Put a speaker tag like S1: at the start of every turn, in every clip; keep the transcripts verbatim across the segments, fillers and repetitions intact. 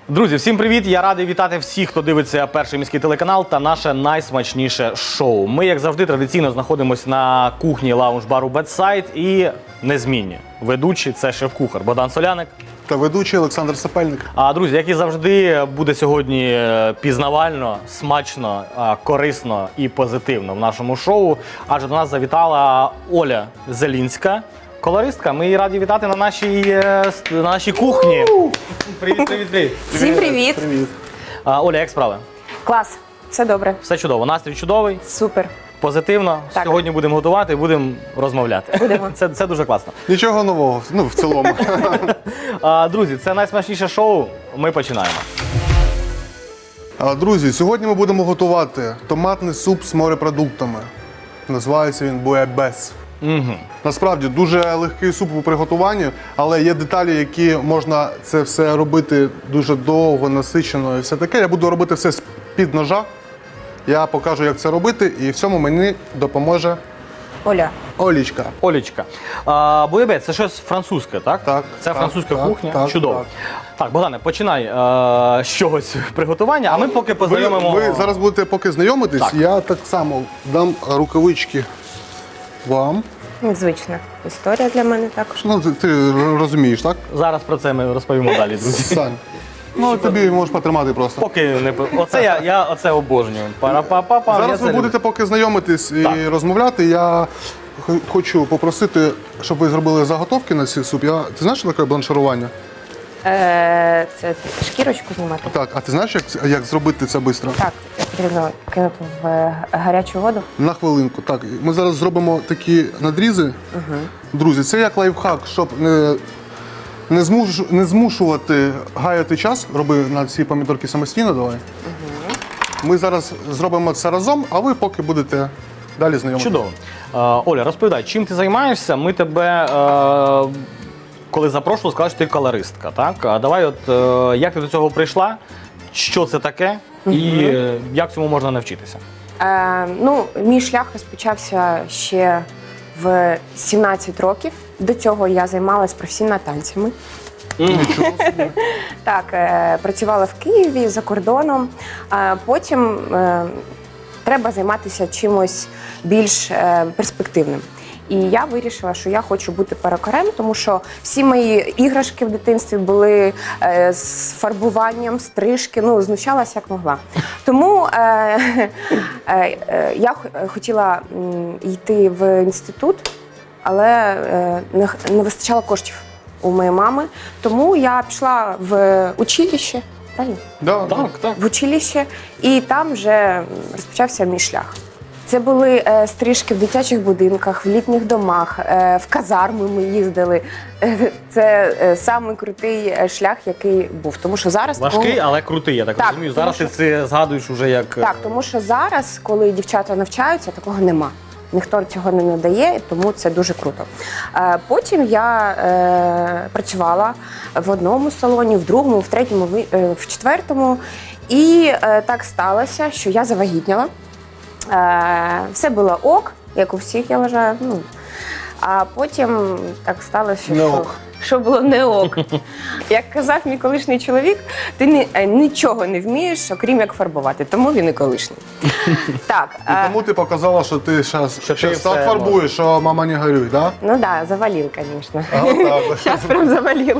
S1: Друзі, всім привіт! Я радий вітати всіх, хто дивиться перший міський телеканал та наше найсмачніше шоу. Ми, як завжди, традиційно знаходимося на кухні лаунж-бару Бедсайд і незмінні ведучі – це шеф-кухар Богдан Соляник.
S2: Та ведучий Олександр Сапельник.
S1: А, друзі, як і завжди, буде сьогодні пізнавально, смачно, корисно і позитивно в нашому шоу. Адже до нас завітала Оля Зелінська, колористка. Ми її раді вітати на нашій, на нашій кухні. Привіт, привіт, привіт.
S3: Всім привіт.
S2: Привіт.
S1: А, Оля, як справи?
S3: Клас, все добре.
S1: Все чудово, настрій чудовий,
S3: Супер.
S1: позитивно.
S3: Так.
S1: Сьогодні будемо готувати і будемо розмовляти.
S3: Будемо.
S1: Це, це дуже класно.
S2: Нічого нового, ну, в цілому.
S1: А, друзі, це найсмачніше шоу. Ми починаємо.
S2: А, Друзі, сьогодні ми будемо готувати томатний суп з морепродуктами. Називається він буябес.
S1: Угу.
S2: Насправді дуже легкий суп у приготуванні, але є деталі, які можна це все робити дуже довго, насичено і все таке. Я буду робити все з-під ножа. Я покажу, як це робити, і в цьому мені допоможе
S3: Оля.
S2: Олічка.
S1: Олечка, а, буябес – це щось французьке, так?
S2: Так,
S1: Це
S2: так,
S1: французька
S2: так,
S1: кухня.
S2: так,
S1: Чудово.
S2: так.
S1: Так, Богдане, починай а, з чогось приготування, а ми поки
S2: Ви,
S1: познайомимо.
S2: ви зараз будете поки знайомитись,
S1: Так.
S2: я так само дам рукавички вам.
S3: Незвична історія для мене також.
S2: Ну, ти, ти розумієш, так?
S1: Зараз про це ми розповімо далі, друзі.
S2: Сань. Ну, тобі можеш потримати просто.
S1: Поки не по- оце я, я оце обожнюю. Пара-па-па-па. я
S2: Зараз
S1: це
S2: ви
S1: люблю.
S2: будете поки знайомитись і
S1: Так.
S2: розмовляти. Я х- хочу попросити, щоб ви зробили заготовки на цей суп. Я, ти знаєш, що таке бланширування?
S3: Е, це шкірочку знімати?
S2: Так, а ти знаєш, як, як зробити це швидко?
S3: Так, потрібно кинути в е, гарячу воду.
S2: На хвилинку. Так, ми зараз зробимо такі надрізи. Друзі, це як лайфхак, щоб не, не, змуш, не змушувати гаяти час. Роби на ці помідорки самостійно, давай. Ми зараз зробимо це разом, а ви поки будете далі знайомитися.
S1: Чудово. А, Оля, розповідай, чим ти займаєшся? Ми тебе, е, коли запрошували, сказали, що ти колористка, так? А давай, от, е, як ти до цього прийшла, що це таке і е, як цьому можна навчитися?
S3: Е, ну, мій шлях розпочався ще в сімнадцять років. До цього я займалась професійно танцями. Так, е, працювала в Києві, за кордоном. Е, потім е, треба займатися чимось більш е, перспективним. І я вирішила, що я хочу бути перукарем, тому що всі мої іграшки в дитинстві були е, з фарбуванням, стрижки, ну, знущалася як могла. Тому е, е, е, я х- хотіла м, йти в інститут, але е, не, х- не вистачало коштів у моєї мами. Тому я пішла в училище, правильно?
S2: Да,
S1: Так, так.
S3: В училище, і там вже розпочався мій шлях. Це були е, стрижки в дитячих будинках, в літніх домах, е, в казарми ми їздили. Е, це е, самий крутий е, шлях, який був. Тому що зараз
S1: Важкий,
S3: такого-
S1: але крутий, я так,
S3: Так,
S1: розумію.
S3: тому
S1: Зараз
S3: що-
S1: ти це згадуєш уже як... е,
S3: Так, тому що зараз, коли дівчата навчаються, такого нема. Ніхто цього не надає, тому це дуже круто. Е, Потім я е, працювала в одному салоні, в другому, в третьому, в- е, в четвертому. І е, так сталося, що я завагітніла. Е, Все було ок, як у всіх, я вважаю. Ну, а потім так сталося,
S2: Не
S3: що,
S2: ок.
S3: що було не ок. Як казав мій колишній чоловік, ти ні, е, нічого не вмієш, окрім як фарбувати, тому він і колишній. Так,
S2: І
S3: е,
S2: тому ти показала, що ти зараз
S1: Що ти
S2: так
S1: все
S2: фарбуєш, що мама не горюй, так?
S3: ну так, да, завалив, звісно.
S2: А, отак.
S3: Зараз прям завалив.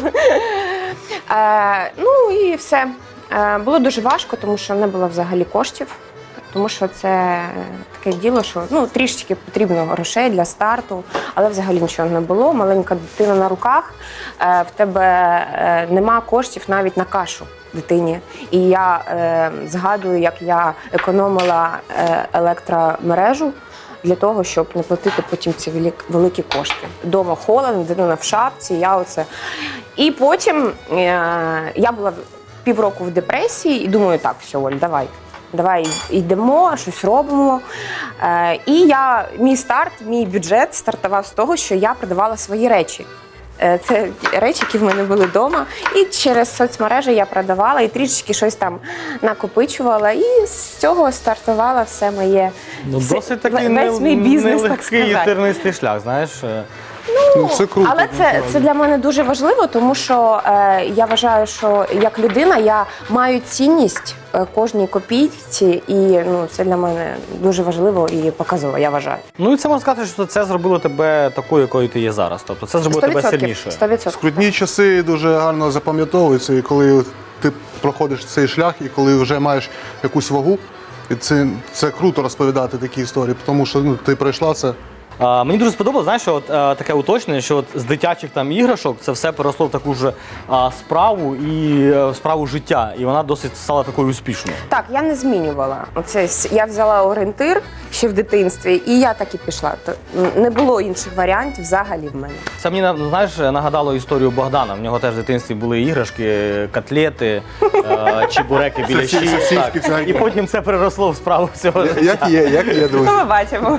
S3: Е, ну і все. Е, було дуже важко, тому що не було взагалі коштів. Тому що це таке діло, що ну, трішечки потрібно грошей для старту, але взагалі нічого не було. Маленька дитина на руках, е, в тебе е, нема коштів навіть на кашу дитині. І я е, згадую, як я економила е, електромережу для того, щоб не платити потім ці велик- великі кошти. Дома холодно, дитина в шапці, я оце. І потім е, я була півроку в депресії і думаю, так, все, Оль, давай. Давай йдемо, щось робимо. Е, і я, мій старт, мій бюджет стартував з того, що я продавала свої речі. Е, це речі, які в мене були вдома. І через соцмережі я продавала і трішечки щось там накопичувала. І з цього стартувала все моє,
S1: Ну,
S3: все-
S1: досить такий
S3: весь мій
S1: не-
S3: бізнес, так
S1: нелегкий і
S3: сказати.
S1: тернистий шлях, знаєш. Е,
S2: Ну, це круто,
S3: але це,
S2: насправді.
S3: це для мене дуже важливо, тому що е, я вважаю, що як людина я маю цінність е, кожній копійці, і ну, це для мене дуже важливо і показово, я вважаю.
S1: Ну і це можна сказати, що це зробило тебе такою, якою ти є зараз. Тобто це зробило тебе сильнішою.
S3: сто відсотків.
S2: Скрутні часи дуже гарно запам'ятовуються, і коли ти проходиш цей шлях, і коли вже маєш якусь вагу, і це, це круто розповідати такі історії, тому що ну, ти пройшла це.
S1: А, мені дуже сподобалося, знаєш, що от, е, таке уточнення, що от з дитячих там іграшок це все переросло в таку ж а, справу і е, справу життя. І вона досить стала такою успішною.
S3: Так, я не змінювала. Оце с- я взяла орієнтир ще в дитинстві, і я так і пішла. То не було інших варіантів взагалі в мене.
S1: Це мені на- знаєш, нагадало історію Богдана. В нього теж в дитинстві були іграшки, котлети, е, чебуреки, біляші.
S2: Сосиски, сосиски
S1: Так.
S2: всякі.
S1: І потім це переросло в справу всього.
S2: Як є, як є, друзі.
S3: Ну, ми бачимо.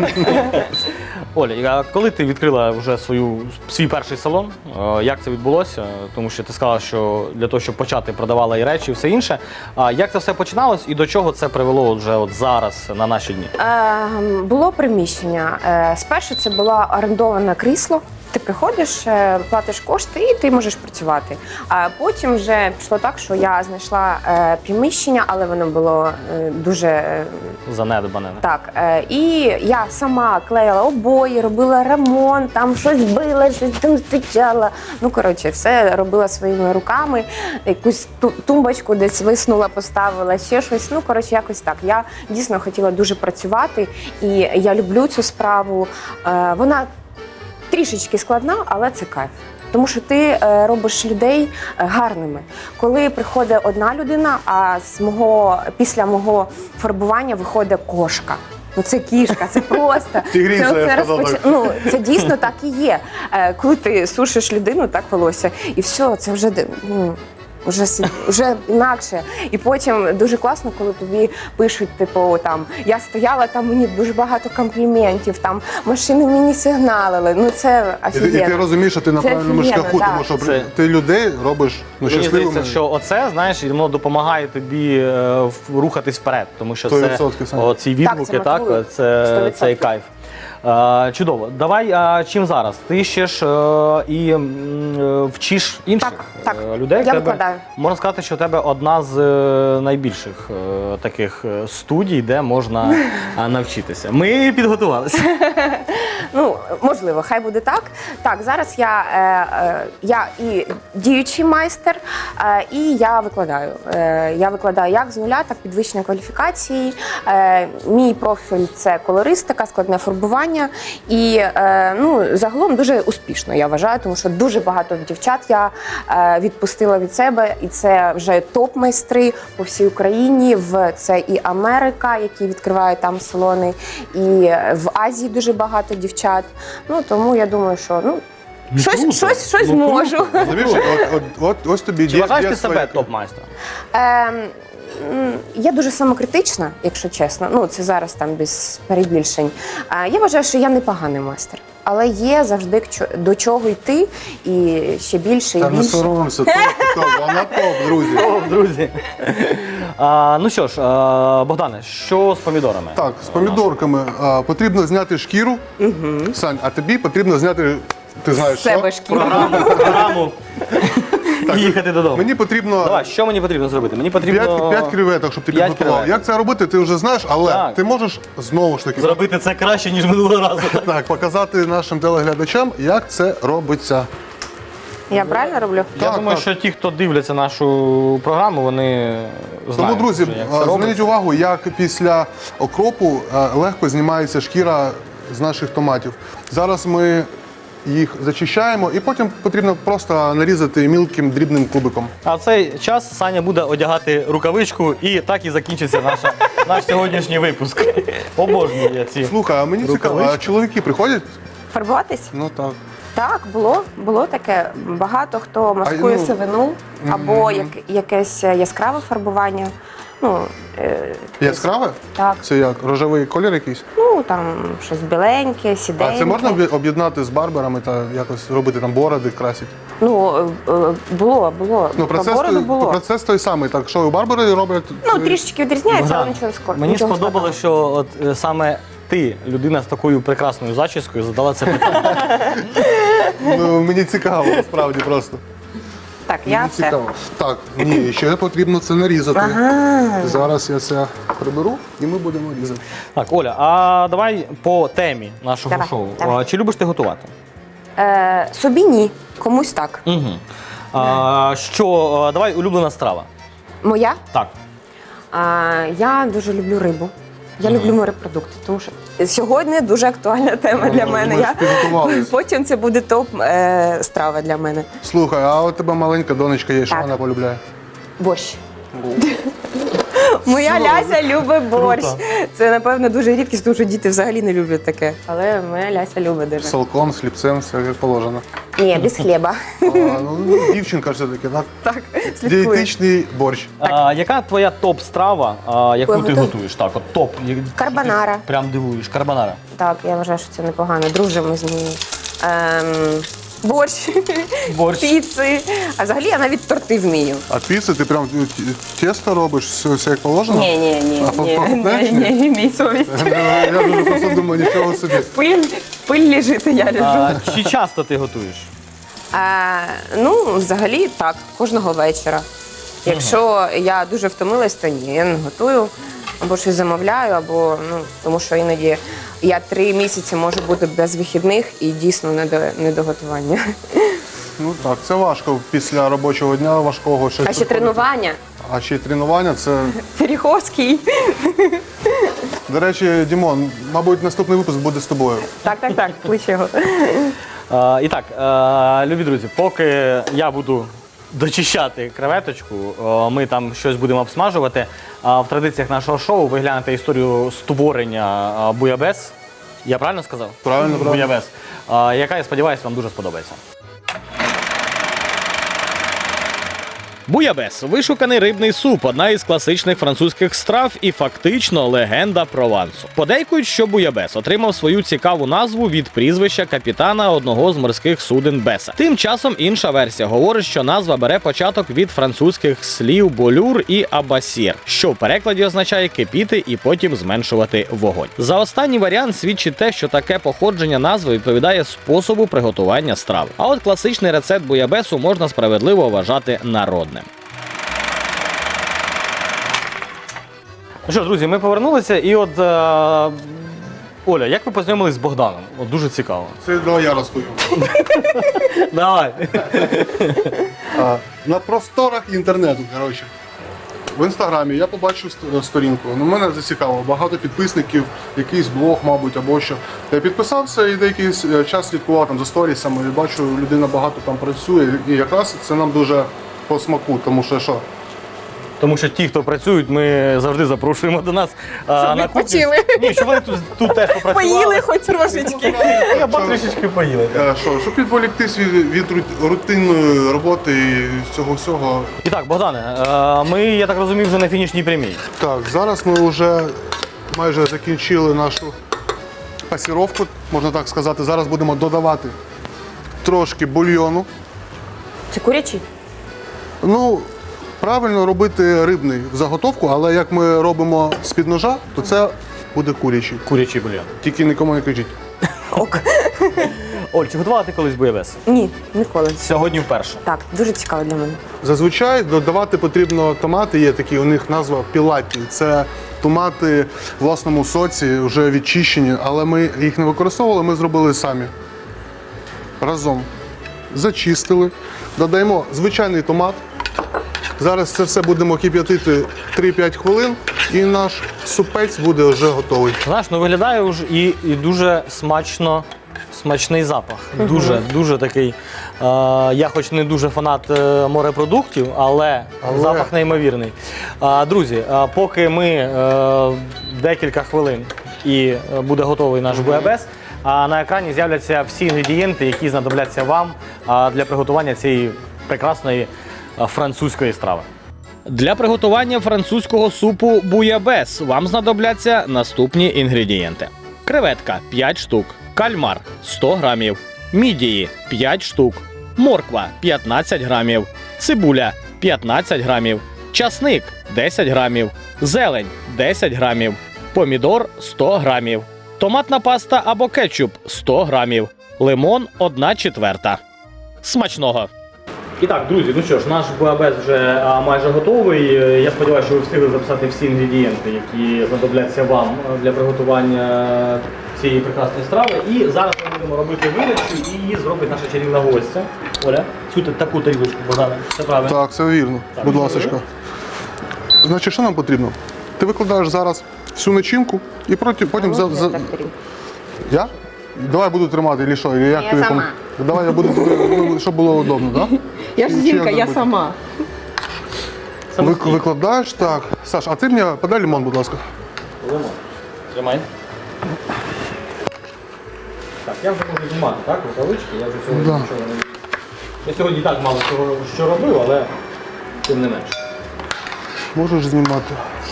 S1: Оля, а коли ти відкрила вже свою свій перший салон, е, як це відбулося? Тому що ти сказала, що для того, щоб почати, продавала і речі, і все інше. А як це все починалось і до чого це привело от вже от зараз на наші дні?
S3: Е, було приміщення. Е, спершу це було орендоване крісло. Ти приходиш, е, платиш кошти і ти можеш працювати. А потім вже пішло так, що я знайшла е, приміщення, але воно було е, дуже е,
S1: Занедбане.
S3: так. Е, і я сама клеїла обої, робила ремонт, там щось била, щось там стичала. Ну, коротше, все робила своїми руками. Якусь ту- тумбочку десь виснула, поставила, ще щось. Ну, коротше, якось так. Я дійсно хотіла дуже працювати, і я люблю цю справу. Е, вона трішечки складна, але це кайф. Тому що ти е, робиш людей е, гарними. Коли приходить одна людина, а з мого, після мого фарбування виходить кошка. Ну це кішка, це просто.
S2: Тигриця,
S3: це,
S2: я
S3: це,
S2: сказав
S3: розпоч-
S2: так.
S3: ну, це дійсно так і є. Е, коли ти сушиш людину, так волосся, і все, це вже де- ну, Вже, си- вже інакше. І потім дуже класно, коли тобі пишуть, типу, там, я стояла, там мені дуже багато компліментів, там, машини мені сигналили. Ну, це
S2: І, ти- і ти
S3: офігенно.
S2: розумієш, що ти на
S3: Це
S2: правильному
S3: офігенно,
S2: шляху,
S3: да.
S2: тому що
S1: Це-
S2: ти людей робиш ну,
S1: Мені
S2: щасливими.
S1: здається, що оце, знаєш, і воно допомагає тобі е, в- рухатись вперед, тому що
S2: сто
S1: це
S2: відсотків, Саня.
S1: о, ці відгуки,
S3: це
S1: так,
S3: мотивує.
S1: це,
S3: сто відсотків.
S1: цей кайф. Е, чудово. Давай, а чим зараз? Ти ще ж е, і м, е, вчиш інших
S3: Так, так.
S1: е, людей.
S3: Я
S1: В тебе,
S3: викладаю.
S1: можна сказати, що в тебе одна з е, найбільших е, таких е, студій, де можна е, навчитися. Ми підготувалися.
S3: Ну, можливо, хай буде так. Так, зараз я, е, е, я і діючий майстер, е, і я викладаю. Е, я викладаю як з нуля, так підвищення кваліфікації. Е, мій профіль це колористика, складне фарбування. І е, ну, загалом дуже успішно, я вважаю, тому що дуже багато дівчат я е, відпустила від себе, і це вже топ-майстри по всій Україні. В це і Америка, які відкривають там салони, і в Азії дуже багато дівчат. Ну тому я думаю, що ну. Щось,
S2: круто.
S3: щось, щось
S2: Ну,
S3: можу.
S2: круто. Розумієш, от, от, от, ось тобі
S1: Чи
S2: є-
S1: вважаєш
S2: є
S1: ти
S2: своя-
S1: себе топ-майстром?
S3: Ем, м, я дуже самокритична, якщо чесно. Ну, це зараз там без перебільшень. Е, я вважаю, що я непоганий майстер. Але є завжди к чо- до чого йти, і ще більше, і
S2: Та не
S3: більше.
S2: соромся, топ, топ, вона топ, друзі.
S1: О, друзі. А, ну що ж, а, Богдане, що з помідорами?
S2: Так, з помідорками а, потрібно зняти шкіру. Сань, а тобі потрібно зняти, ти знаєш,
S3: З себе
S2: що?
S3: шкіру.
S1: Програму, програму і їхати додому.
S2: Мені потрібно
S1: Давай, що мені потрібно зробити? Мені потрібно
S2: п'ять креветок, щоб ти
S1: п'ять
S2: підготував.
S1: креветок.
S2: Як це робити, ти вже знаєш, але
S1: Так.
S2: ти можеш знову ж таки
S1: зробити це краще, ніж минулого разу.
S2: так, показати нашим телеглядачам, як це робиться.
S3: Я правильно роблю?
S1: Я
S2: Так,
S1: думаю,
S2: так.
S1: що ті, хто дивляться нашу програму, вони
S2: Тому,
S1: знають,
S2: друзі,
S1: вже, як це
S2: а,
S1: робиться.
S2: зверніть увагу, як після окропу а, легко знімається шкіра з наших томатів. Зараз ми їх зачищаємо і потім потрібно просто нарізати мілким дрібним кубиком.
S1: А в цей час Саня буде одягати рукавичку, і так і закінчиться наша, наш сьогоднішній випуск. Обожнюю я ці.
S2: Слухай, а мені цікаво, а
S1: Рукавички.
S2: чоловіки приходять?
S3: Фарбуватись?
S2: Ну так.
S3: Так, було, було таке. Багато хто маскує
S2: ну,
S3: сивину або як, якесь яскраве фарбування. Ну, е,
S2: Яскраве?
S3: так.
S2: Це як? Рожевий колір якийсь?
S3: Ну, там щось біленьке, сіденьке.
S2: А це можна об'є- об'єднати з барберами та якось робити там бороди, красити?
S3: Ну, е, е, було, було.
S2: Ну,
S3: По
S2: процес,
S3: бороду
S2: той-
S3: було.
S2: процес той самий. Так, що і барбери роблять.
S3: Ну, трішечки відрізняється, але
S1: Богдан,
S3: нічого не скоро.
S1: мені сподобалося, що от е, саме ти, людина з такою прекрасною зачіскою, задала це питання.
S2: Ну, мені цікаво, насправді просто.
S3: Так, я
S2: Мені
S3: все.
S2: цікаво. Так, ні, ще потрібно це нарізати.
S3: Ага.
S2: Зараз я це приберу і ми будемо різати.
S1: Так, Оля, а давай по темі нашого
S3: Давай,
S1: шоу.
S3: давай.
S1: А, Чи любиш ти готувати?
S3: Е, собі ні, комусь так.
S1: Угу. А, що, а, давай улюблена страва.
S3: Моя?
S1: Так.
S3: А, я дуже люблю рибу. Я люблю морепродукти, тому що сьогодні дуже актуальна тема для
S2: Ну,
S3: мене.
S2: ми ж
S3: Я...
S2: підготувались.
S3: Потім це буде топ е, страва для мене.
S2: Слухай, а у тебе маленька донечка є, що
S3: Так.
S2: вона полюбляє?
S3: Борщ. Моя Ляся любить борщ. Це, напевно, дуже рідкість, тому що діти взагалі не люблять таке. Але моя Ляся любить дуже.
S2: З салком, з хлібцем, все як положено.
S3: Ні, без хліба.
S2: А, ну, дівчинка ж все-таки, так?
S3: Так, слідкую.
S2: Дієтичний борщ.
S1: А, яка твоя топ-страва, а, яку
S3: Ой,
S1: ти
S3: готуй.
S1: готуєш? Так, от топ.
S3: Карбонара.
S1: Прям дивуєш. Карбонара.
S3: Так, я вважаю, що це непогано. Дружимо з нею. Ем, борщ,
S1: Борщ.
S3: піци. А взагалі я навіть торти вмію.
S2: А піци ти прям тісто робиш, все, все як положено?
S3: Ні, ні, ні,
S2: А
S3: ні,
S2: попадеш?
S3: ні, ні, мій совість.
S2: Я дуже просто думаю, нічого собі.
S3: Пиль, пиль лежить, я лежу.
S1: А, чи часто ти готуєш?
S3: А, ну, взагалі так, кожного вечора. Якщо я дуже втомилась, то ні, я не готую, або щось замовляю, або ну, тому що іноді я три місяці можу бути без вихідних і дійсно не до, не до готування.
S2: Ну так, це важко після робочого дня важкого. щось
S3: А ще
S2: приходити.
S3: тренування.
S2: А ще й тренування це.
S3: Феріховський.
S2: До речі, Дімон, мабуть, наступний випуск буде з тобою.
S3: Так, так, так, клич його.
S1: А, і так, а, любі друзі, поки я буду дочищати креветочку, а, ми там щось будемо обсмажувати. А в традиціях нашого шоу ви глянете історію створення а, буябес. Я правильно сказав?
S2: Правильно, правильно.
S1: Буябес. А, яка, я сподіваюся, вам дуже сподобається. Буябес – вишуканий рибний суп, одна із класичних французьких страв і фактично легенда Провансу. Подейкують, що буябес отримав свою цікаву назву від прізвища капітана одного з морських суден Беса. Тим часом інша версія говорить, що назва бере початок від французьких слів болюр і абасір, що в перекладі означає кипіти і потім зменшувати вогонь. За останній варіант свідчить те, що таке походження назви відповідає способу приготування страви. А от класичний рецепт буябесу можна справедливо вважати народним. Ну що, друзі, ми повернулися, і от е, Оля, як ви познайомились з Богданом? От дуже цікаво.
S2: Це давай я розповім.
S1: Давай.
S2: А, на просторах інтернету, коротше. В інстаграмі я побачив ст- сторінку. Ну, мене зацікавило. Багато підписників, якийсь блог, мабуть, або що. Я підписався і деякий с- час слідкував там за сторісами. І бачу, людина багато там працює. І якраз це нам дуже по смаку, тому що що?
S1: Тому що ті, хто працюють, ми завжди запрошуємо до нас а,
S3: Щоб
S1: на кухню.
S3: відпочили.
S1: Ні, щоб вони тут, тут теж попрацювали.
S3: Поїли хоч трошечки.
S1: Я б трішечки поїли.
S2: Е, Що, щоб відволіктись від, від рут- рутинної роботи і цього всього.
S1: І так, Богдане, е, ми, я так розумію, вже на фінішній прямій.
S2: Так, зараз ми вже майже закінчили нашу пасіровку, можна так сказати. Зараз будемо додавати трошки бульйону.
S3: Це курячий?
S2: Ну, правильно робити рибний в заготовку, але як ми робимо з-під ножа, то це буде курячий.
S1: Курячий бульйон.
S2: Тільки нікому не кажіть.
S3: Ок.
S1: Оль, чи готувала ти колись буябес?
S3: Ні, ніколи.
S1: Сьогодні вперше.
S3: Так, дуже цікаво для мене.
S2: Зазвичай додавати потрібно томати, є такі, у них назва пілаті. Це томати в власному соці, вже відчищені, але ми їх не використовували, ми зробили самі. Разом. Зачистили, додаємо звичайний томат. Зараз це все будемо кип'ятити три-п'ять хвилин і наш супець буде вже готовий.
S1: Знаєш, ну виглядає вже і, і дуже смачно, смачний запах. Дуже, дуже такий. Е, я хоч не дуже фанат е, морепродуктів, але,
S2: Але-
S1: запах неймовірний. Е, друзі, е, поки ми е, декілька хвилин і е, буде готовий наш буябес, а на екрані з'являться всі інгредієнти, які знадобляться вам е, для приготування цієї прекрасної е, французької страви. Для приготування французького супу буябес вам знадобляться наступні інгредієнти: креветка п'ять штук, кальмар сто грамів, мідії п'ять штук, морква п'ятнадцять грамів, цибуля п'ятнадцять грамів, часник десять грамів, зелень десять грамів, помідор сто грамів, томатна паста або кетчуп сто грамів, лимон одна четверта. Смачного! І так, друзі, ну що ж, наш буабес вже а, майже готовий. Я сподіваюся, що ви встигли записати всі інгредієнти, які знадобляться вам для приготування цієї прекрасної страви. І зараз ми будемо робити видачу, і її зробить наша чарівна гостя. Оля, цю та- таку тарілочку, Богдане, це правильно?
S2: Так, все вірно.
S1: Так,
S2: Будь
S1: добре.
S2: ласка. Значить, що нам потрібно? Ти викладаєш зараз всю начинку і проти- потім за, за... Я? Давай я буду тримати, чи що? Чи як
S3: Я
S2: тобі
S3: сама.
S2: пом- Давай я буду тобі, ну, щоб було удобно, так?
S4: Я ж
S2: Чи
S4: жінка,
S2: як
S4: я
S2: робити?
S4: сама.
S2: Вик- викладаєш, так. Саш, а ти мені подай лимон, будь ласка.
S1: Лимон. Тримай. Так, я вже можу знімати, так, рукавички, я вже сьогодні
S2: Да.
S1: нічого не... Я сьогодні і так мало чого, що робив, але тим не менше.
S2: Можеш знімати.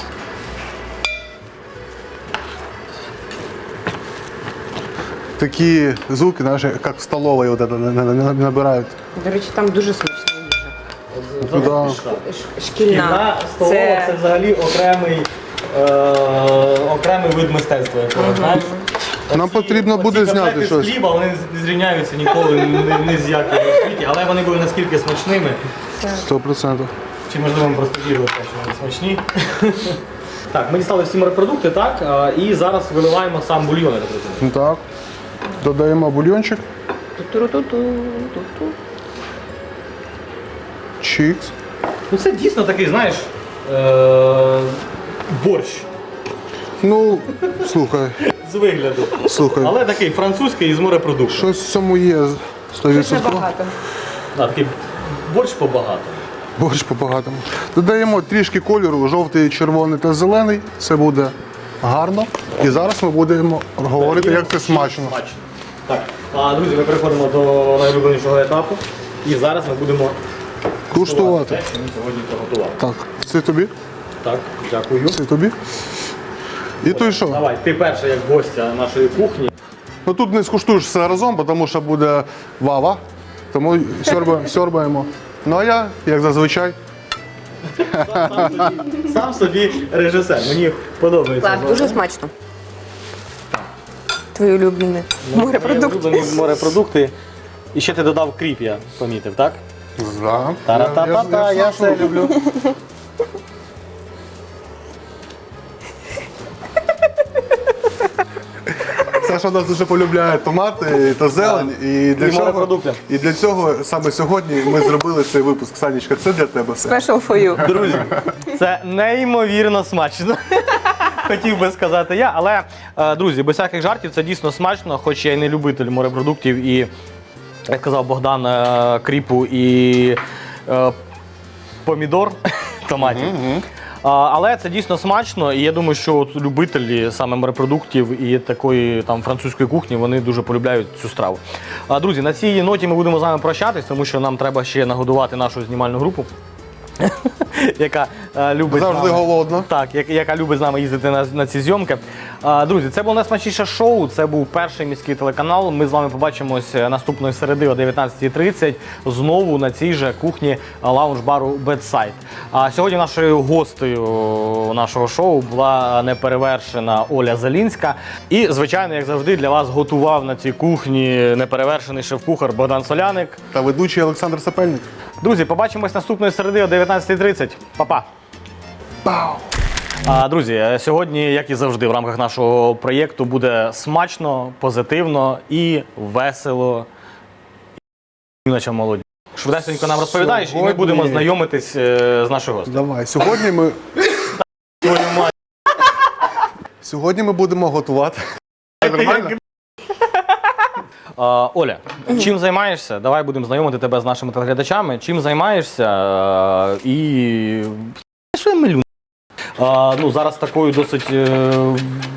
S2: Такі звуки, знаєш, як в столовій от это, на- на- на- набирають.
S4: До речі, там дуже смачна їжа.
S1: От
S2: Да.
S1: зараз пішла.
S4: Ш-
S1: Кільна
S4: Шкільна.
S1: столова це...
S4: Це
S1: взагалі окремий, е, окремий вид мистецтва, якщо ви знаєш.
S2: Нам потрібно буде
S1: оці
S2: зняти
S1: котлети
S2: щось.
S1: з хліба, вони не зрівняються ніколи ні, ні з яким у світі, але вони були наскільки смачними,
S2: Сто процентів.
S1: чи можливо ми просто вірили, що вони смачні. Так, ми дістали всі морепродукти, так, а, і зараз виливаємо сам бульйон, я так розумію.
S2: Так. Додаємо бульйончик.
S4: Ту-ту-ру-ту-ту-ту.
S2: Чікс.
S1: Ну це дійсно такий, знаєш, е, борщ
S2: Ну, слухай,
S1: з вигляду.
S2: слухай.
S1: Але такий французький із морепродуктів.
S2: Щось в цьому є сто
S4: Це
S2: відсотків.
S4: багато.
S1: Да, такий борщ побагато.
S2: Борщ по-багатому. Додаємо трішки кольору, жовтий, червоний та зелений. Це буде гарно. І зараз ми будемо говорити, як це смачно.
S1: Смачно. Так, а, друзі, ми переходимо до найулюбленішого етапу. І зараз ми будемо
S2: Куштувати.
S1: те, що ми сьогодні приготували.
S2: Так, це тобі,
S1: Так, дякую.
S2: це тобі. І то й що?
S1: Давай, ти перша як гостя нашої кухні.
S2: Ну тут не скуштуєш все разом, тому що буде вава. Тому сьорба- сьорбаємо. Ну а я, як зазвичай,
S1: Сам собі, сам собі режисер. Мені подобається.
S3: Клас, дуже смачно. Твої улюблені морепродукти.
S1: Мої улюблені морепродукти. І ще ти додав кріп, я помітив, так?
S2: да.
S1: Та-ра-та-та-та, я все люблю.
S2: Саша нас дуже полюбляє томати та зелень. І для,
S1: І
S2: цього,
S1: морепродукти.
S2: і для цього саме сьогодні ми зробили цей випуск. Санечка, це для тебе все.
S4: Special for you.
S1: Друзі, це неймовірно смачно. Хотів би сказати я, але, е, друзі, без всяких жартів, це дійсно смачно, хоч я і не любитель морепродуктів і, як казав Богдан, е, кріпу і е, помідор, томатів. А, Але це дійсно смачно, і я думаю, що от любителі саме морепродуктів і такої там французької кухні, вони дуже полюбляють цю страву. А, друзі, на цій ноті ми будемо з вами прощатись, тому що нам треба ще нагодувати нашу знімальну групу, яка е, любить з
S2: Завжди
S1: нами-
S2: голодно.
S1: Так, як- яка любить з нами їздити на, на ці зйомки. А, друзі, це було найсмачніше шоу. Це був перший міський телеканал. Ми з вами побачимось наступної середи о дев'ятнадцятій тридцять знову на цій же кухні лаунж-бару Bedside. А сьогодні нашою гостею нашого шоу була неперевершена Оля Зелінська. І, звичайно, як завжди, для вас готував на цій кухні неперевершений шеф-кухар Богдан Соляник.
S2: Та ведучий Олександр Сапельник.
S1: Друзі, побачимось наступної середи о дев'ятнадцятій тридцять. Па-па!
S2: Пау!
S1: А, друзі, сьогодні, як і завжди, в рамках нашого проєкту буде смачно, позитивно і весело. І наче молоді. Швидесенько нам розповідаєш, і ми
S2: Сьогодні-
S1: будемо знайомитись е, з нашою гостею.
S2: Давай, сьогодні ми,
S1: Твою мать.
S2: сьогодні ми будемо готувати. Нормально?
S1: А, Оля, чим займаєшся? Давай будемо знайомити тебе з нашими телеглядачами. Чим займаєшся? А, і що я милю? А, ну, зараз такою досить е,